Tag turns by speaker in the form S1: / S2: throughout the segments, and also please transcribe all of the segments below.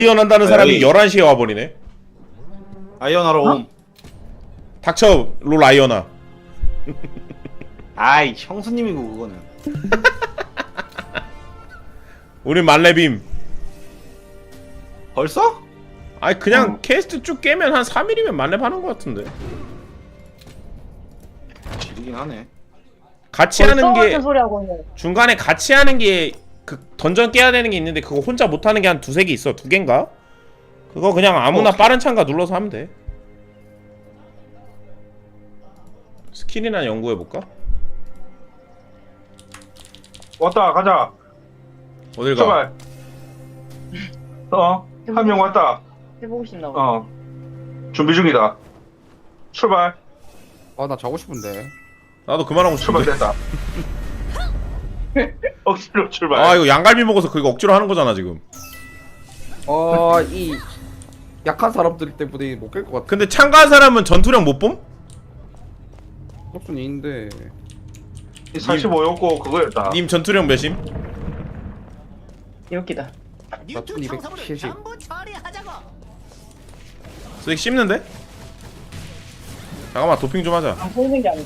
S1: 한다는 사람이 11시에 와버리네.
S2: 아이언하러 옴.
S1: 닥쳐 롤 아이언아.
S2: 아이 형수님이고 그거는.
S1: 우린 말레빔.
S2: 벌써?
S1: 아니 그냥 캐스트 쭉 깨면 한 3일이면 만렙 하는 것 같은데.
S2: 지리긴 하네.
S1: 같이 하는 게
S3: 소리 하고 있네.
S1: 중간에 같이 하는 게 그 던전 깨야 되는 게 있는데 그거 혼자 못 하는 게 한 두세 개 있어. 두 개인가? 그거 그냥 아무나 빠른 참가 눌러서 하면 돼. 스킬이나 연구해 볼까?
S4: 왔다 가자.
S1: 어딜 가?
S4: 출발. 한 명 왔다.
S3: 해보고 싶나 봐.
S4: 준비 중이다. 출발.
S5: 나 자고 싶은데.
S1: 나도 그만하고 싶은데.
S4: 출발됐다. 억지로 출발.
S1: 아 이거 양갈비 먹어서 그거 억지로 하는 거잖아 지금.
S5: 이 약한 사람들 때문에 못 깰 것 같아.
S1: 근데 참가한 사람은 전투력 못 봄?
S5: 덕순이 있는데.
S4: 45였고 그거였다.
S1: 님 전투력 몇임?
S3: 이렇게다.
S5: 나 1270.
S1: 쓰기 씹는데? 잠깐만 도핑 좀 하자.
S3: 안 보이는 게 아니지.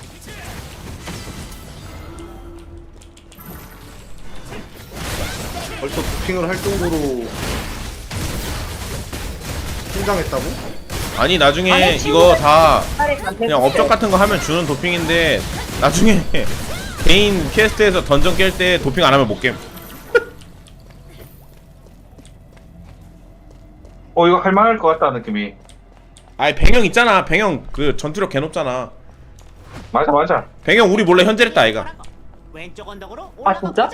S2: 벌써 부핑을 할 정도로 성장했다고?
S1: 아니 나중에
S3: 아니,
S1: 이거 다
S3: 차라리 간태
S1: 그냥 업적 같은 거 하면 주는 도핑인데 나중에 개인 퀘스트에서 던전 깰 때 도핑 안 하면 못 깸.
S4: 이거 할만할 것 같다 느낌이.
S1: 아니 백영 있잖아. 백영 그 전투력 개 높잖아.
S4: 맞아.
S1: 백영 우리 몰래 현질했다 아이가.
S6: 왼쪽 언덕으로
S3: 아, 진짜?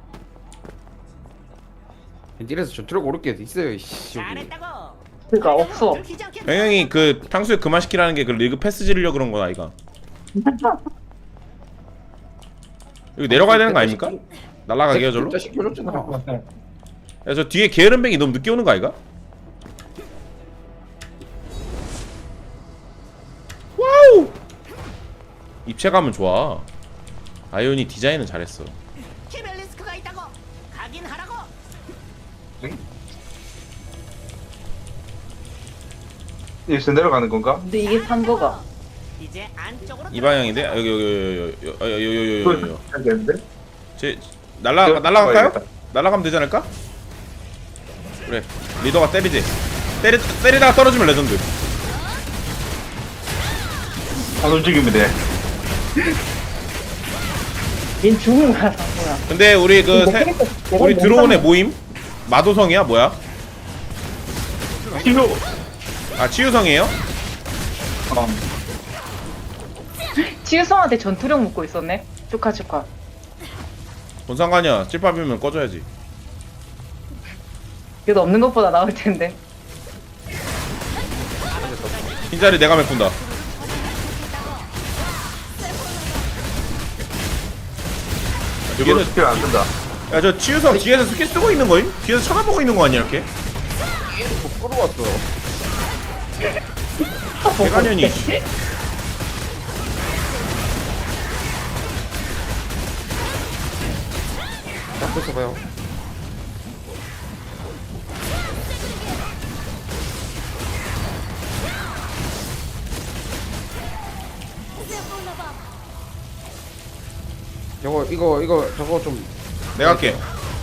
S5: 벤til에서 전투력 오를 게 있어요. 씨 여기.
S6: 잘했다고.
S3: 그니까 없어.
S1: 백영이 그 탕수육 그만 시키라는 게 그 리그 패스 지르려 그런 거 아이가. 여기 내려가야 되는 거 아닙니까? 날라가게요 절로?
S5: 진짜 시켜줬잖아.
S1: 야 저 뒤에 게으름뱅이 너무 늦게 오는 거 아이가? 와우! 입체감은 좋아. 아이온이 디자인은 잘했어.
S6: 키벨리스크가 있다고. 가긴 하라고.
S4: 여기서 내려가는 건가?
S3: 근데 이게 산 거가.
S6: 이제 안쪽으로
S1: 이 방향인데? 아, 여기
S4: 해야 되는데?
S1: 제 날라갈까요? 날라가면 되지 않을까? 그래 리더가 때리지. 때리다가 떨어지면 레전드.
S4: 안 움직이면 돼.
S3: 얜 죽은 거야, 산 거야.
S1: 근데 우리 그 우리 들어온 애 모임? 마도성이야 뭐야?
S4: 필요.
S1: 아 치유성이에요?
S3: 치유성한테 전투력 묻고 있었네. 축하.
S1: 뭔 상관이야. 찔밥이면 꺼져야지.
S3: 그래도 없는 것보다 나을 텐데.
S1: 흰자리 내가 메꾼다.
S4: 이거 스킬 안 쓴다.
S1: 야 저 치유성 뒤에서 스킬 쓰고 있는 거임? 뒤에서 쳐다보고 있는 거 아니야 이렇게?
S5: 끌어왔어.
S1: 대관련이.
S5: 자, 뺏어봐요. 이거 저거 좀
S1: 내가 할게.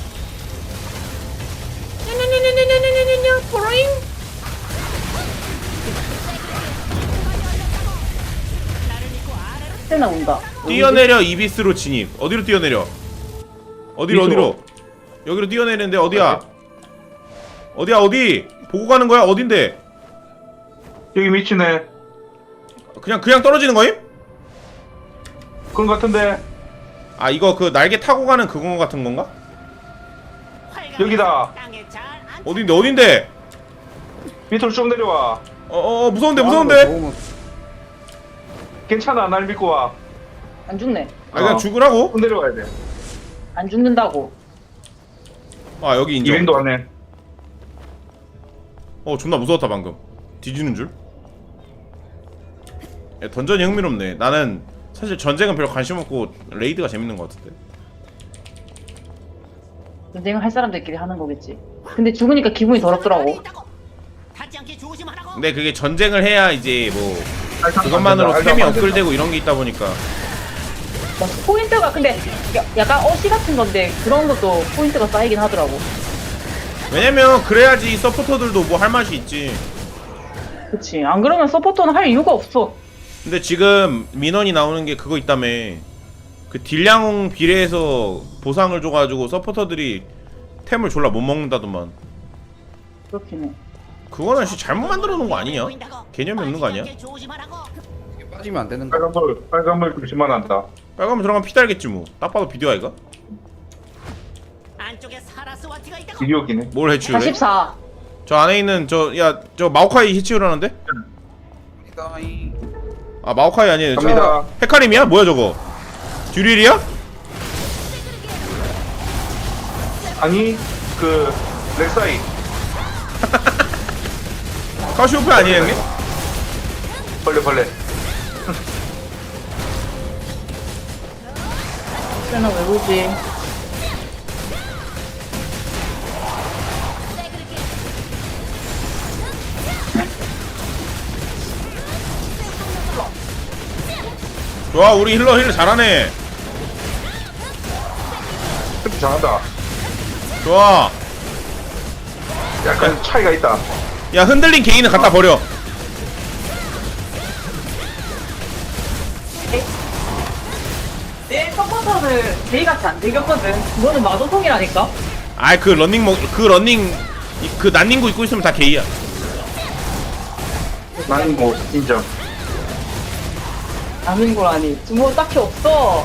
S3: 세나 온다.
S1: 뛰어내려 이비스로 진입. 어디로 뛰어내려? 어디로? 여기로 뛰어내리는데 어디야? 어디? 보고 가는 거야? 어딘데?
S4: 여기 미치네.
S1: 그냥 떨어지는 거임?
S4: 그런 것 같은데.
S1: 아 이거 그 날개 타고 가는 그거 같은 건가?
S4: 여기다.
S6: 땅에 잘 안.
S1: 어딘데?
S4: 밑으로 쭉 내려와.
S1: 무서운데.
S5: 좋으면
S4: 괜찮아. 날 믿고 와.
S3: 안 죽네.
S1: 아 그냥 죽으라고?
S4: 쭉 내려와야 돼.
S3: 안 죽는다고.
S1: 아 여기 인정.
S4: 200도 안에.
S1: 존나 무서웠다 방금. 뒤지는 줄. 야, 던전이 흥미롭네. 나는 사실 전쟁은 별로 관심 없고 레이드가 재밌는 것 같은데.
S3: 전쟁을 할 사람들끼리 하는 거겠지. 근데 죽으니까 기분이 더럽더라고.
S6: 타지 않게 조심하라고.
S1: 근데 그게 전쟁을 해야 이제 뭐 그것만으로 템이 업글되고 이런 게 있다 보니까.
S3: 뭐 포인트가 근데 약간 어시 같은 건데 그런 것도 포인트가 쌓이긴 하더라고.
S1: 왜냐면 그래야지 서포터들도 뭐 할 맛이 있지.
S3: 그치. 안 그러면 서포터는 할 이유가 없어.
S1: 근데 지금 민원이 나오는 게 그거 있다며. 그 딜량 비례해서 보상을 줘가지고 서포터들이 템을 졸라 못 먹는다더만.
S3: 그렇긴 해.
S1: 그거는 씨 잘못 만들어 놓은 거 아니냐? 개념이 없는 거 아니야?
S5: 이게 빠지면 안 되는 거.
S4: 빨간불 조심만 한다.
S1: 빨가면 들어가면 피 달겠지 뭐. 딱 봐도 비디오 아이가?
S6: 안쪽에 사라스와티가 있다고.
S4: 비디오기네.
S1: 뭘 해치우래?
S3: 44.
S1: 저 안에 있는 저 마오카이 해치우라는데?
S5: 이다이.
S1: 아 마오카이 아니에요. 저
S4: 갑니다.
S1: 헤카림이야? 뭐야 저거? 듀릴이야?
S4: 아니 그 렉사이.
S1: 카시오페 아니에요 형님?
S4: 벌레.
S3: 쟤는 왜 보지?
S1: 좋아 우리 힐러 잘하네.
S4: 특히 잘한다.
S1: 좋아.
S4: 약간 차이가 있다.
S1: 야 흔들린 개인은 갖다 버려.
S3: 내 서포터는 제이같이 안 되겠거든. 그거는 마도통이라니까.
S1: 아이 그 러닝 그 난닝구 입고 있으면 다 게이야.
S4: 나는 뭐 인정.
S3: 아닌 거라니. 뭐 딱히 없어.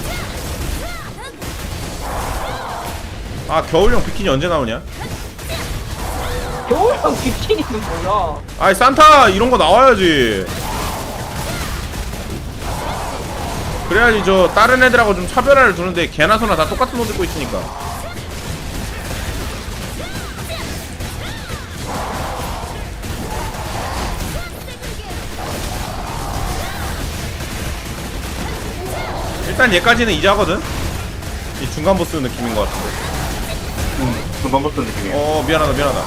S1: 아 겨울용 비키니 언제 나오냐?
S3: 겨울형 비키니는 뭐야?
S1: 아이 산타 이런 거 나와야지. 그래야지 저 다른 애들하고 좀 차별화를 두는데 개나 소나 다 똑같은 옷 입고 있으니까. 일단 얘까지는 이제 하거든? 이 중간 보스 느낌인 것 같은데.
S4: 금방 붙은 느낌이야.
S1: 미안하다.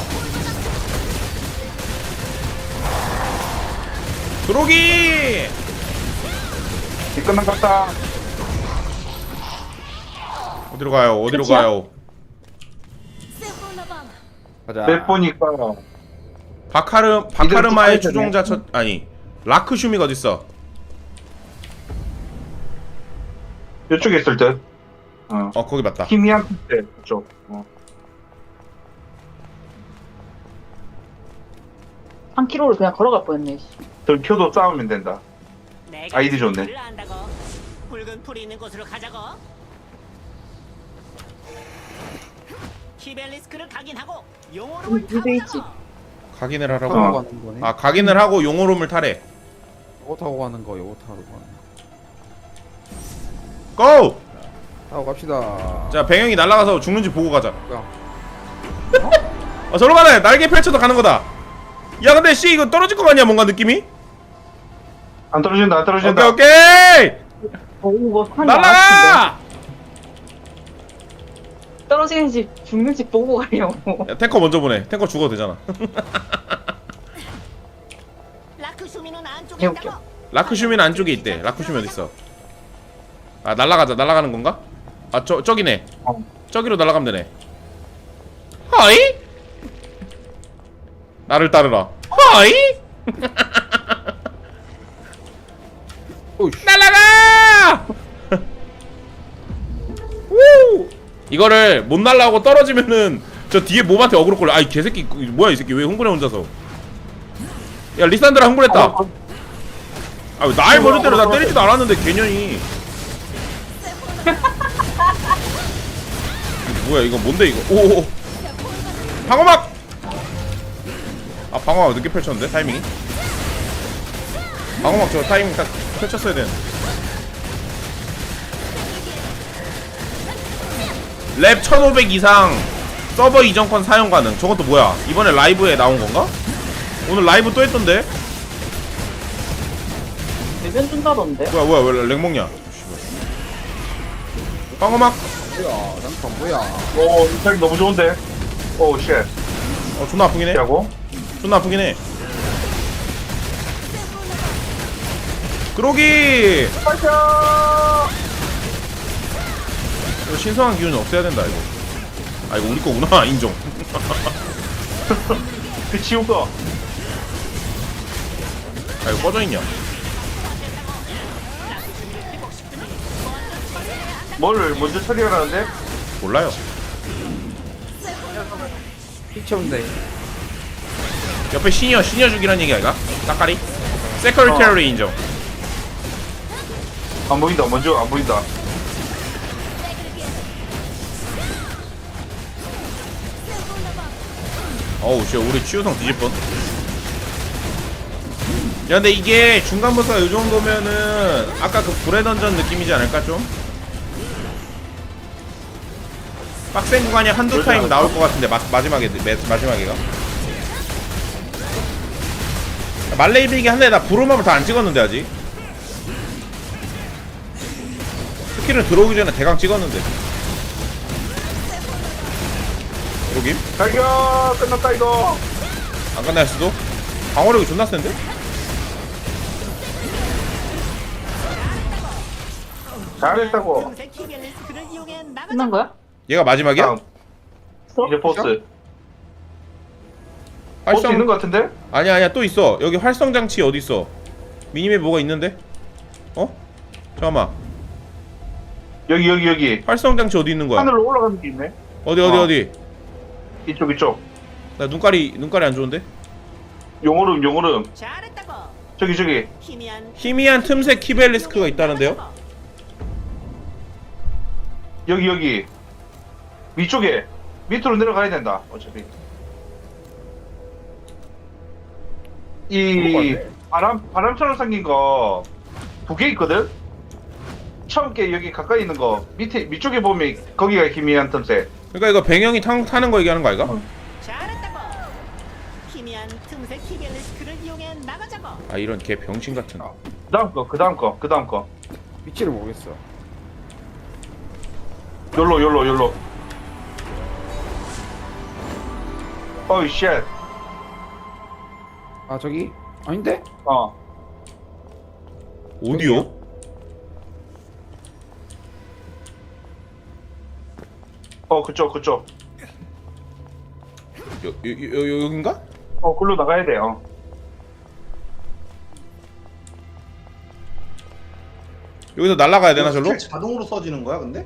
S1: 들어오기!
S4: 이 끝난 것 같다.
S1: 어디로 가요?
S3: 끝이야?
S5: 가자.
S4: 몇 보니까
S1: 바카르마의
S4: 이대로
S1: 추종자 아니 라크슈미가 어딨어?
S4: 이쪽에 있을 듯.
S1: 거기 맞다.
S4: 희미한테 그쪽.
S3: 한 킬로를 그냥 걸어갈 뻔했네. 씨.
S4: 들켜도 싸우면 된다.
S6: 내가
S4: 아이디 좋네.
S6: 길을 안다고. 붉은 풀이 있는 곳으로 가자고. 키벨리스크를 각인하고 용어를
S3: 무대 있지.
S1: 각인을
S5: 타고
S1: 하라고?
S5: 가는 거네.
S1: 아 각인을 하고 용오롬을 타래.
S5: 요거 타고 가는 거, 요거 타고 가는 거.
S1: 고!
S5: 타고 갑시다.
S1: 자 배경이 날아가서 죽는지 보고 가자.
S5: 뭐야?
S1: 저로 가네. 날개 펼쳐서 가는 거다. 야 근데 씨 이거 떨어질 거 같냐 뭔가 느낌이?
S4: 안 떨어진다.
S1: 오케이.
S3: 뭐 한이
S1: 날아가!
S3: 떨어지는지 죽는지 보고 가려고.
S1: 야, 탱커 먼저 보내. 탱커 죽어도 되잖아.
S6: 라크슈미는 안쪽에
S3: 개웃겨.
S6: 있다고.
S1: 라크슈미는 안쪽에 있대. 라크슈미 어딨어? 아 날아가는 건가? 아 저기네. 저기로 날아가면 되네. 하이? 나를 따르라. 하이?
S5: 오이씨.
S1: 날아가! 우! 이거를 못 날라오고 떨어지면은 저 뒤에 몸한테 어그로 걸려. 아이 개새끼 뭐야 이 새끼 왜 흥분해 혼자서? 야 리산드라 흥분했다. 아 왜 날 먼저 때려? 나 때리지도 않았는데 개년이. 이거 뭐야 이거 뭔데 이거? 오 방어막. 아 방어막 늦게 펼쳤는데 타이밍이. 방어막 저 타이밍 딱 펼쳤어야 되는데. 랩 1500 이상 서버 이전권 사용 가능. 저건 또 뭐야? 이번에 라이브에 나온 건가? 오늘 라이브 또 했던데?
S3: 대변 준다던데.
S1: 뭐야 왜 렉 먹냐? 방어막.
S5: 뭐야? 장판 뭐야?
S4: 오, 이탈 너무 좋은데. 오 쉣.
S1: 존나 아프긴 해.
S4: 피하고.
S1: 존나 아프긴 해. 그러기. 이거 신성한 기운은 없애야 된다 이거. 아 이거 우리 거구나. 인정.
S4: 그 지운 거.
S1: 아 이거 꺼져 있냐?
S4: 뭘 먼저 처리하라는데?
S1: 몰라요.
S5: 피쳐온데.
S1: 옆에 시니어 죽이라는 얘기 아이가? 따까리? 세커리테리 인정.
S4: 안 보인다. 먼저 안 보인다.
S1: 어우 씨 우리 치유성 뒤질 뻔. 야 근데 이게 중간 보스가 이 정도면은 아까 그 불의 던전 느낌이지 않을까 좀? 빡센 구간이 한두 타임 나올 것 같은데 마지막에가 말레이빅이 한데 나 부루마블 다 안 찍었는데 아직 스킬은 들어오기 전에 대강 찍었는데 여기?
S4: 갈겨 끝났다 이거.
S1: 안 끝날 수도? 방어력이 존나 센데?
S4: 잘했다고.
S6: 틈새 키벨리스크를 이용해
S3: 끝난
S6: 나가자고.
S3: 거야?
S1: 얘가 마지막이야?
S4: 다음. 이제 보스. 보스
S1: 활성
S4: 있는 거 같은데?
S1: 아니야 또 있어. 여기 활성 장치 어디 있어? 미니맵 뭐가 있는데? 어? 잠깐만.
S4: 여기.
S1: 활성 장치 어디 있는 거야?
S4: 하늘로 올라가는 게 있네.
S1: 어디?
S4: 이쪽.
S1: 나 눈깔이 안 좋은데?
S4: 용오름.
S6: 잘했다고.
S4: 저기.
S1: 희미한 틈새 키벨리스크가 있다는데요?
S4: 여기. 위쪽에. 밑으로 내려가야 된다. 어차피. 이 바람처럼 생긴 거 두 개 있거든? 처음 게 여기 가까이 있는 거 밑쪽에 보면 거기가 희미한 틈새.
S1: 그러니까 이거 배경이 타는 거 얘기하는 거 아이가?
S6: 잘했다고. 희미한 틈새 키벨리스크를 이용해 나가자고.
S1: 아 이런 개 병신 같은.
S4: 그 다음 거.
S5: 위치를 모르겠어.
S4: 열로. 어이 쉣.
S5: 아 저기 아닌데?
S1: 어디요?
S4: 그쪽.
S1: 여긴가?
S4: 글로 나가야 돼.
S1: 여기서 날아가야 되나 절로?
S2: 스킬 자동으로 써지는 거야 근데?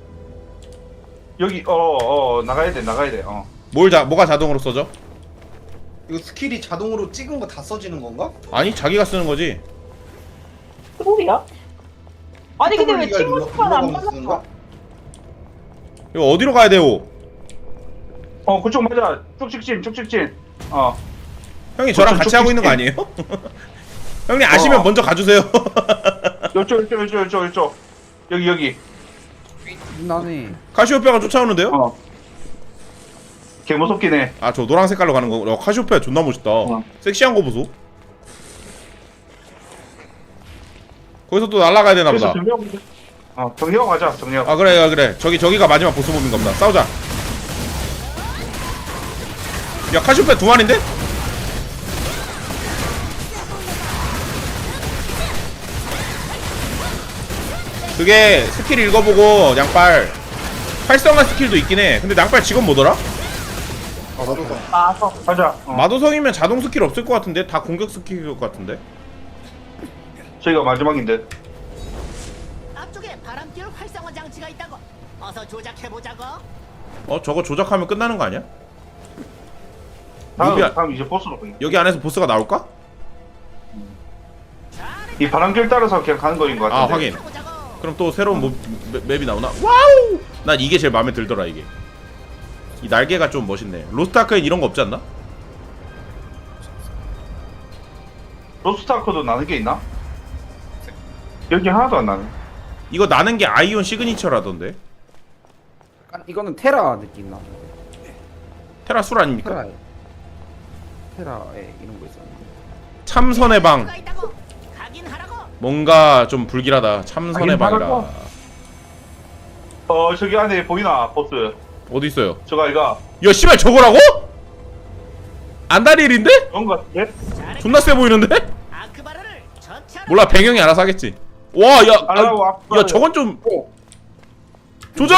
S4: 여기 나가야 돼.
S1: 뭐가 자동으로 써져?
S2: 이거 스킬이 자동으로 찍은 거 다 써지는 건가?
S1: 아니 자기가 쓰는 거지.
S3: 소리야? 아니 근데 왜
S2: 스토리가
S3: 친구
S2: 눌러-
S3: 스파는 안
S2: 눌러가면서 쓰는
S3: 받았어?
S2: 거야?
S1: 이거 어디로 가야 돼요?
S4: 그쪽 맞아. 쭉 직진.
S1: 형이 저랑 같이 하고 있는 거 아니에요? 형님 아시면 먼저 가주세요.
S4: 요쪽. 여기.
S5: 나네.
S1: 카시오페아가 쫓아오는데요?
S4: 개 무섭긴 해.
S1: 아 저 노란 색깔로 가는 거. 카시오페아 존나 멋있다. 섹시한 거 보소. 거기서 또 날아가야 되나 보다.
S4: 정리하고 가자. 정리하고.
S1: 아 그래. 저기가 마지막 보스 몹인 겁니다. 싸우자. 야 카시오페아 두 마리인데? 그게 스킬 읽어보고 양빨 활성화 스킬도 있긴 해. 근데 양빨 직업 뭐더라?
S4: 가자.
S1: 마도성이면 자동 스킬 없을 것 같은데? 다 공격 스킬일 것 같은데?
S4: 저희가 마지막인데.
S6: 앞쪽에 바람결 활성화 장치가 있다고. 어서 조작해보자고.
S1: 저거 조작하면 끝나는 거 아니야? 루비야.
S4: 다음 이제 보스로 보기.
S1: 여기 안에서 보스가 나올까?
S4: 이 바람길 따라서 그냥 가는 거인 것
S1: 아
S4: 같은데.
S1: 확인.
S6: 해보자고.
S1: 그럼 또 새로운 맵이 나오나? 와우! 난 이게 제일 마음에 들더라 이게. 이 날개가 좀 멋있네. 로스트아크엔 이런 거 없지 않나?
S4: 로스트아크도 나는 게 있나? 여기 하나도 안 나네.
S1: 이거 나는 게 아이온 시그니처라던데.
S5: 약간 이거는 테라 느낌 나.
S1: 테라 술 아닙니까?
S5: 테라에 이런 거 있었는데.
S1: 참선의 방.
S6: 뭐가 있다고. 가긴 하라고.
S1: 뭔가 좀 불길하다. 참선의
S4: 하긴
S1: 방이라.
S4: 하라고. 저기 안에 보이나 보스.
S1: 어디 있어요?
S4: 저거 이거
S1: 야 씨발 저거라고? 안다리엘인데?
S4: 그런 거 같은데?
S1: 존나 세 보이는데?
S6: 아크바르를 처치하라.
S1: 몰라 배경이 알아서 하겠지. 와, 야,
S4: 알아요,
S1: 야, 저건 좀
S5: 어.
S1: 조져.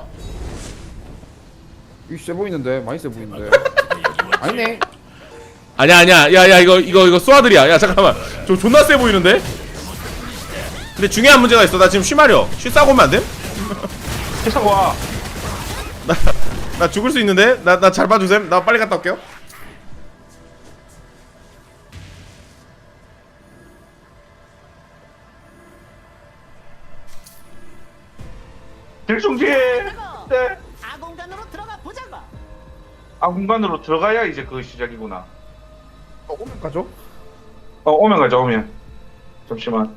S5: 이거 세 보이는데 많이 세 보이는데. 아니네.
S1: 아니야. 야, 이거 쏘아들이야. 야, 잠깐만. 저 존나 세 보이는데? 근데 중요한 문제가 있어. 나 지금 쉬마려. 쉬 싸고 오면 안 돼?
S4: 계속 와.
S1: 나 죽을 수 있는데? 나 잘 봐주셈. 나 빨리 갔다 올게요.
S4: 들중지에. 네.
S6: 아공간으로 들어가 보자고.
S4: 공간으로 들어가야 이제 그 시작이구나.
S5: 오면 가죠?
S4: 오면 가자, 오면. 잠시만.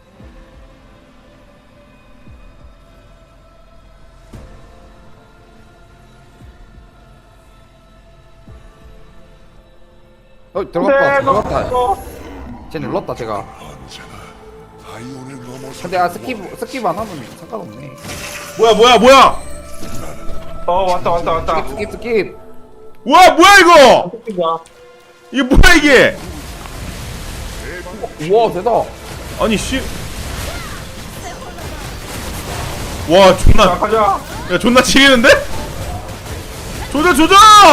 S5: 들어갔다.
S4: 어.
S5: 쟤 눌렀다 제가. 근데 스킵 안 하면 상관없네.
S1: 뭐야?
S4: 왔다.
S5: 스킵.
S1: 뭐야 이거? 이게 뭐야 이게?
S5: 우와 대다.
S1: 아니 씨. 와 존나.
S4: 자, 가자.
S1: 야 존나 치리는데? 조져.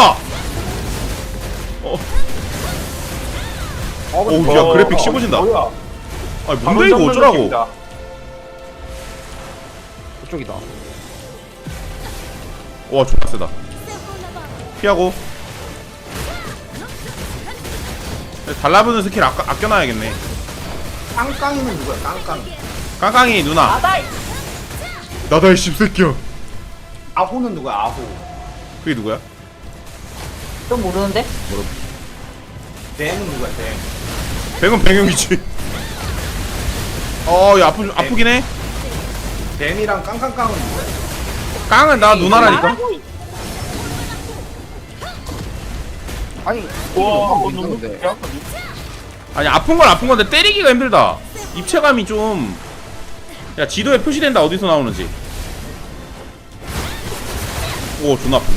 S1: 어우 야 그래픽 씹어진다.
S4: 뭐야?
S1: 아니 뭔데 이거 어쩌라고?
S4: 느낌이다.
S5: 그쪽이다.
S1: 와 존나 세다. 피하고. 달라붙는 스킬 아껴놔야겠네.
S2: 깡깡이는 누구야? 깡깡.
S1: 깡깡이 누나. 나다 이 씹새끼야.
S2: 아호는 누구야? 아호.
S1: 그게 누구야?
S3: 좀 모르는데?
S2: 댐은 누구야? 댐.
S1: 백은 백영이지. 야 아프긴 해.
S2: 댐이랑 깡깡깡은 누구야?
S1: 깡은 나 누나라니까.
S5: 아니
S4: 와,
S5: 이거
S4: 너무
S5: 있는데.
S1: 아니 아픈 건 아픈 건데 때리기가 힘들다. 입체감이 좀. 야 지도에 표시된다 어디서 나오는지. 오 존나 아픈데?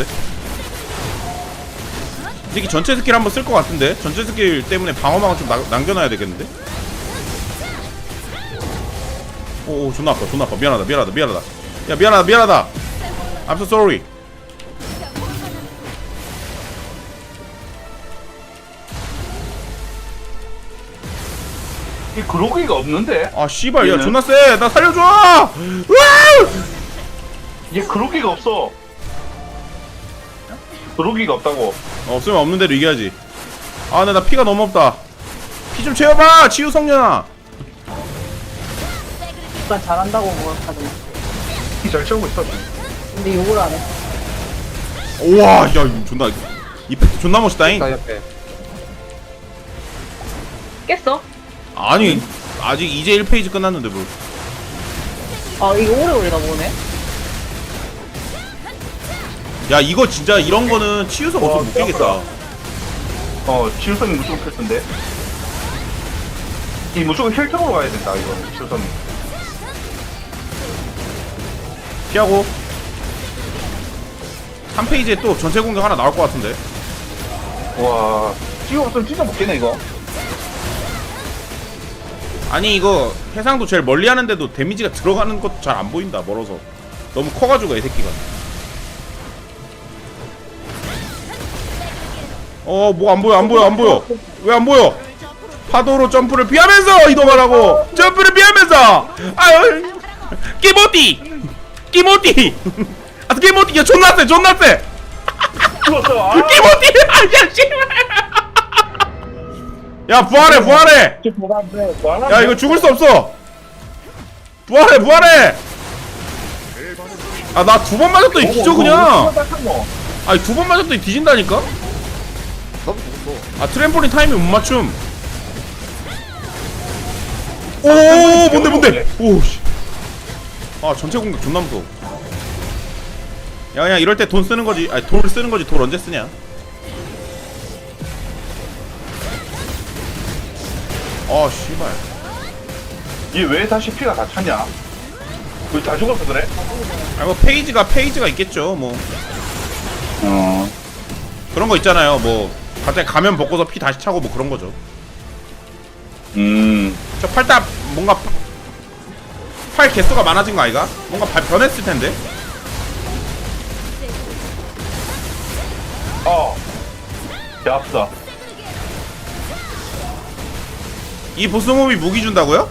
S1: 이 새끼 전체 스킬 한번 쓸 것 같은데? 전체 스킬 때문에 방어망을 좀 남겨놔야 되겠는데? 오 존나 아파 미안하다 야 미안하다 I'm so sorry.
S4: 이 그로기가 없는데?
S1: 아 씨발 야
S4: 얘는?
S1: 존나 쎄나 살려줘. 으아!
S4: 얘 그로기가 없어. 그로기가 없다고.
S1: 없으면 없는 대로 이겨야지. 아 근데 나 피가 너무 없다. 피 좀 채워봐 치유 성년아.
S3: 오빠 잘한다고 뭐 하더니.
S4: 잘 채우고 있어.
S3: 근데 욕을 안 해.
S1: 우와 야 이거 존나 이펙트 존나 멋있다잉.
S5: 나 옆에.
S3: 깼어?
S1: 아니 아직 이제 1페이지 끝났는데 뭘.
S3: 이거 오래오래다 보네.
S1: 야 이거 진짜 이런 거는 치유성 없으면 못 깨겠다.
S4: 치유성이 무조건 필수인데. 이 무조건 혈통으로 가야 된다 이거 치유성이.
S1: 피하고 3페이지에 또 전체 공격 하나 나올 것 같은데.
S4: 와, 치유 없으면 진짜 못 깨네 이거.
S1: 아니 이거 해상도 제일 멀리 하는데도 데미지가 들어가는 것도 잘 안 보인다 멀어서. 너무 커가지고 이 새끼가. 뭐 안 보여 왜 안 보여? 파도로 점프를 피하면서 이동하라고. 점프를 피하면서. 아유 끼모띠 아 끼모띠 야 존나 세
S4: 죽었어.
S1: 끼모띠 아야 씨발. 야 부활해. 야 이거 죽을 수 없어. 부활해. 아 나 두 번 맞았더니 뒤져 그냥. 아니 두 번 맞았더니 뒤진다니까.
S5: 나도 죽었어.
S1: 아 트램폴린 타이밍 못 맞춤. 오 뭔데 오씨. 아 전체 공격 존나 무서워. 야 그냥 이럴 때 돈 쓰는 거지. 아니 돌 쓰는 거지. 돌 언제 쓰냐. 아 씨발.
S4: 얘 왜 다시 피가 다 찼냐? 우리 다 죽어서 그래?
S1: 아 뭐 페이지가 있겠죠 뭐. 그런 거 있잖아요. 뭐 갑자기 가면 벗고서 피 다시 차고 뭐 그런 거죠. 저 팔딱 뭔가 팔 개수가 많아진 거 아이가? 뭔가 변했을 텐데.
S4: 배 아프다.
S1: 이 보스몹이 무기 준다고요?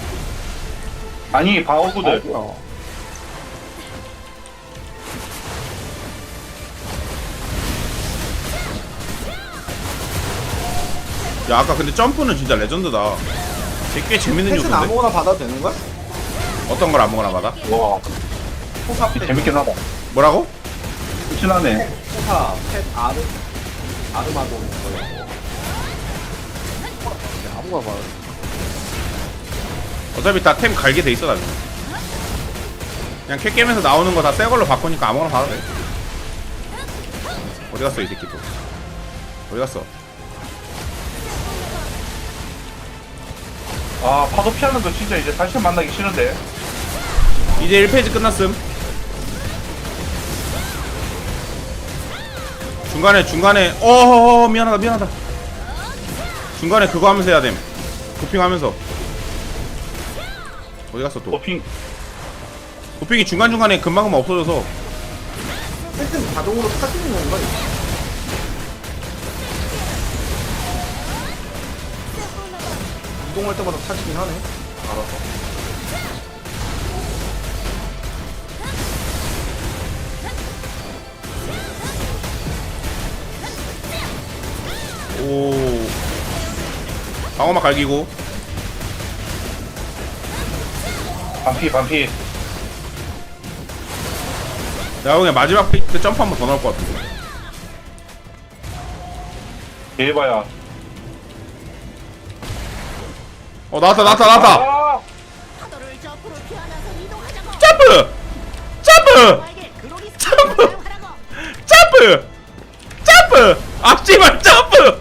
S4: 아니 방어구들.
S1: 야 아까 근데 점프는 진짜 레전드다. 꽤 재밌는
S2: 펫은
S1: 요소인데.
S2: 아무거나 받아도 되는 거야?
S1: 어떤 걸 아무거나 받아?
S4: 와
S2: 포사 펫,
S4: 재밌긴 하다.
S1: 뭐라고?
S4: 신하네.
S2: 포사 펫 아르마돈 뭐 이런 거.
S5: 아무거나 봐.
S1: 어차피 다 템 갈게 돼 있어 나중에. 그냥 캣게임에서 나오는 거 다 새 걸로 바꾸니까 아무거나 받아도 돼. 어디 갔어 이 새끼 또? 어디 갔어?
S4: 아 파도 피하는 거 진짜 이제 다시 만나기 싫은데.
S1: 이제 1페이지 끝났음. 중간에 미안하다. 중간에 그거 하면서 해야 됨. 도핑하면서. 어디 갔어 또?
S4: 도핑.
S1: 도핑이 중간중간에 금방 없어져서.
S2: 펫은 자동으로 타지는 건가? 이동할 때마다 타지긴 하네. 알아서.
S1: 오. 방어막 갈기고.
S4: 반피.
S1: 내가 그냥 마지막 페이지 때 점프 한 번 더 나올 것 같은데.
S4: 대봐야.
S1: 나왔다.
S4: 아!
S6: 파도를 저 앞으로 피하면서 이동하자고.
S1: 점프!
S6: 나에게 그로기
S1: 점프!
S6: 스킬을 사용하라고.
S1: 점프! 앞지만 점프!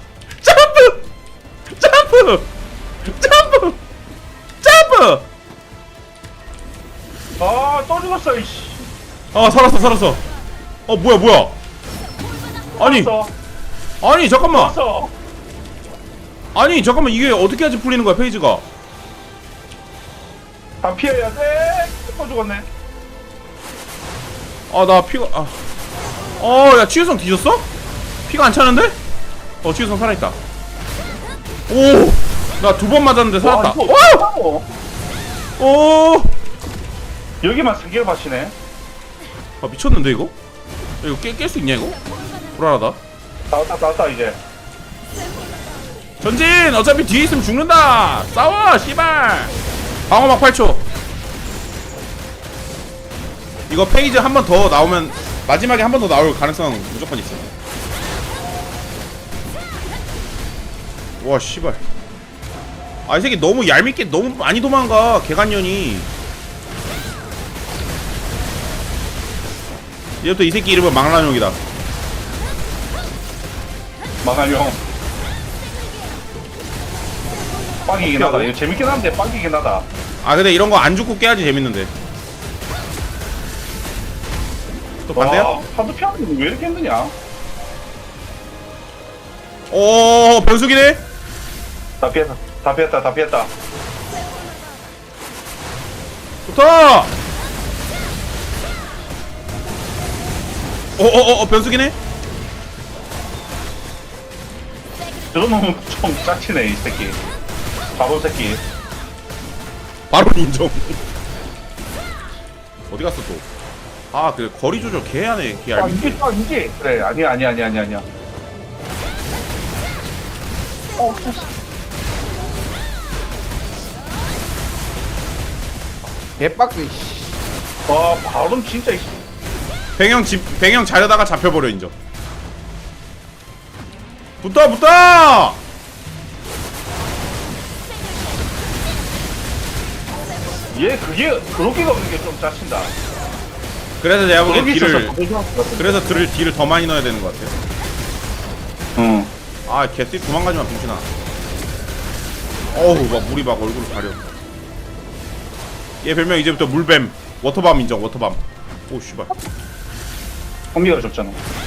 S4: 아, 또 죽었어, 이씨.
S1: 살았어. 뭐야.
S4: 죽었어.
S1: 아니, 잠깐만.
S4: 죽었어.
S1: 아니, 잠깐만. 이게 어떻게 해야지 풀리는 거야, 페이지가?
S4: 다 피해야 돼. 또 죽었네.
S1: 나 피가, 야, 치유성 뒤졌어? 피가 안 차는데? 치유성 살아있다. 오! 나 두 번 맞았는데 살았다.
S4: 와, 이거
S1: 오!
S4: 여기만 3개를 마시네.
S1: 미쳤는데, 이거? 이거 깰 수 있냐, 이거? 불안하다.
S4: 다 왔다, 이제.
S1: 전진! 어차피 뒤에 있으면 죽는다! 싸워! 씨발! 방어막 8초. 이거 페이지 한 번 더 나오면 마지막에 한 번 더 나올 가능성 무조건 있어. 와 씨발. 이 새끼 너무 얄밉게 너무 많이 도망가 개간년이. 이제부터 이 새끼 이름은 망나뇽이다.
S4: 망할용. 빵이긴 하다. 이거 재밌긴 한데 빵이긴 하다.
S1: 근데 이런 거 안 죽고 깨야지 재밌는데. 또 반대야?
S4: 와, 파도 피하는 게 왜 이렇게 힘드냐?
S1: 변수기네?
S4: 다 피했다.
S1: 좋다! 변수기네?
S4: 저놈은 좀 짜치네, 이 새끼. 바보 새끼.
S1: 바로 인정. 어디 갔어 또? 그래 거리 조절 개하네 개 얄밉게.
S4: 이게. 그래, 아니야.
S5: 개빡세. 씨.
S4: 와, 바로 진짜, 이씨.
S1: 배경 자려다가 잡혀버려 인정. 붙어!
S4: 얘, 그렇게가 없는 게 좀 짜친다.
S1: 그래서 내가 보기엔
S4: 그렇게
S1: 그래서 딜을 더 많이 넣어야 되는 것 같아.
S4: 응.
S1: 개띠 도망가지마 빙신아. 어우 막 물이 막 얼굴을 가려. 얘 별명 이제부터 물뱀. 워터밤 인정 워터밤. 오 씨발.
S6: 콤비가 줬잖아.